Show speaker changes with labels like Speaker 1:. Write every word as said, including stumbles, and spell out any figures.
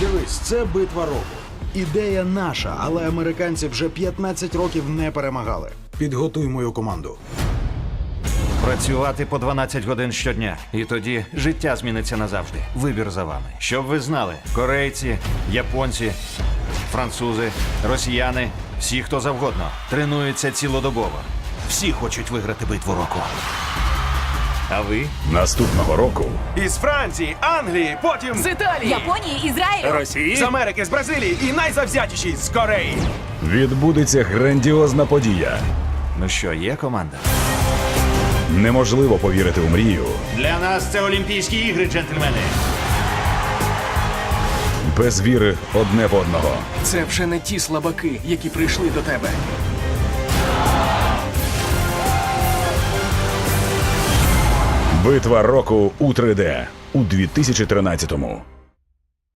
Speaker 1: Дивись, це битва року. Ідея наша, але американці вже п'ятнадцять років не перемагали. Підготуй мою команду.
Speaker 2: Працювати по дванадцять годин щодня. І тоді життя зміниться назавжди. Вибір за вами. Щоб ви знали, корейці, японці, французи, росіяни, всі, хто завгодно, тренуються цілодобово. Всі хочуть виграти битву року. А ви?
Speaker 3: Наступного року
Speaker 4: Із Франції, Англії, потім
Speaker 5: З Італії!
Speaker 6: Японії, Ізраїлю.
Speaker 5: Росії!
Speaker 4: з Америки, з Бразилії і найзавзятіші з Кореї.
Speaker 3: відбудеться грандіозна подія.
Speaker 2: Ну що, є команда?
Speaker 3: Неможливо повірити у мрію
Speaker 2: Для нас це Олімпійські ігри, джентльмени.
Speaker 3: без віри одне в одного.
Speaker 5: Це вже не ті слабаки, які прийшли до тебе.
Speaker 3: Битва року у три де у дві тисячі тринадцятому.